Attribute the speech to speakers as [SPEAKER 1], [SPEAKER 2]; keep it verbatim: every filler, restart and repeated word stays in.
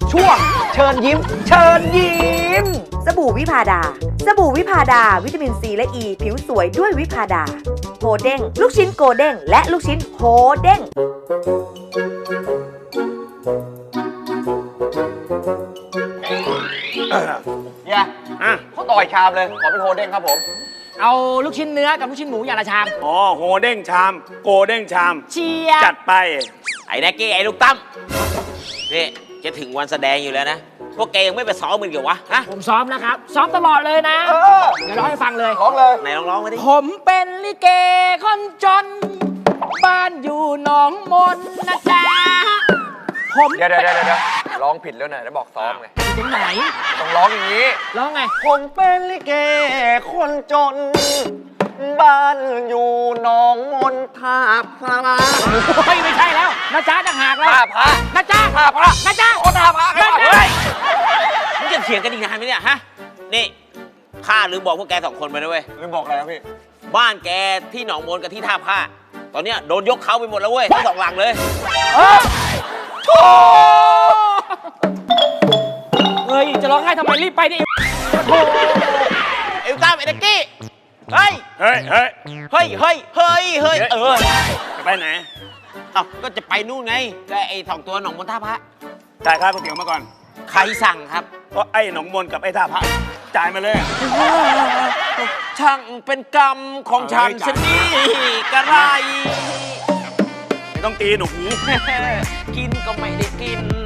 [SPEAKER 1] ช่วงเชิญยิ้มเชิญยิ้ม
[SPEAKER 2] สบู่วิพาดาสบู่วิพาดาวิตามินซีและอ e, ีผิวสวยด้วยวิพาดาโฮเด้งลูกชิ้นโกเด้งและลูกชิ้นโฮเด้ง
[SPEAKER 1] เฮียอ่ะเขาต่อยชามเลยขอเป็นโฮเด้งครับผม
[SPEAKER 3] เอาลูกชิ้นเนื้อกับลูกชิ้นหมูอย่างละชาม
[SPEAKER 4] อ๋อโฮเด้งชามโกเด้งชาม
[SPEAKER 3] เชียร์
[SPEAKER 4] จัดไป
[SPEAKER 5] ไอ้แน็กกี้ไอ้ลูกตั้มนี่จะถึงวันแสดงอยู่แล้วนะพวกแกยังไม่ไปซ้อมมันเกี่ยววะฮะ
[SPEAKER 3] ผมซ้อมนะครับซ้อมตลอดเลยนะเดี๋ยวร้องให้ฟังเลย
[SPEAKER 1] ร้องเลย
[SPEAKER 5] ไหนลองร้องมาดิ
[SPEAKER 3] ผมเป็นลิเกคนจนบ้านอยู่หนองมนนะจ๊ะผม
[SPEAKER 1] เดี๋ยวเดี๋ยวเดี๋ยวเดี๋ยวร้องผิดแล้วนะแล้วบอกซ้อมไง
[SPEAKER 3] ถึงไหน
[SPEAKER 1] ต้องร้องอย่างนี้
[SPEAKER 3] ร้องไง
[SPEAKER 1] ผมเป็นลิเกคนจนบ้านอยู่หนองมนท่าพระ
[SPEAKER 3] ไม่ไม่ใช่แล้วนะจ๊ะต่างหากแล้ว
[SPEAKER 1] ท่าพระ
[SPEAKER 3] นะจ๊ะ
[SPEAKER 1] ท่าพระ
[SPEAKER 3] นะจ๊ะ
[SPEAKER 1] โอ้ท่าพระ
[SPEAKER 3] นะจ๊ะ
[SPEAKER 5] มึงจะเถียงกันอีกนานไหมเนี่ยฮะนี่ข้าลืมบอกพวกแกสองคนไปนะเว้ย
[SPEAKER 1] ลืมบอกอะไรครับพี่
[SPEAKER 5] บ้านแกที่หนองมนกับที่ท่าผ้าตอนเนี้ยโดนยกเขาไปหมดแล้วเว้ยทั้งสองหลังเลย
[SPEAKER 3] โอ้เฮ้ยจะร้องไห้ทำไมรีบไปดิโอ้
[SPEAKER 5] เอลต้าไอ้แน็กกี้เฮ้ย
[SPEAKER 4] เฮ้ยเฮ้ย
[SPEAKER 5] เฮ้ยเฮ้ยเฮ้ยเฮ้ยเออ
[SPEAKER 4] จะไปไหน
[SPEAKER 5] เอ้าก็จะไปนู่นไงแต่ไอ้สองตัวหนองมนท่าพระ
[SPEAKER 4] จ่ายค่าก๋วยเตี๋ยวมาก่อน
[SPEAKER 5] ใครสั่งครับ
[SPEAKER 4] เพราะไอ้หนองมนกับไอ้ท่าพระจ่ายมาเลย
[SPEAKER 5] ช่างเป็นกรรมของฉันชนีกระไร
[SPEAKER 4] ไม่ต้องตีหนู
[SPEAKER 5] กินก็ไม่ได้กิน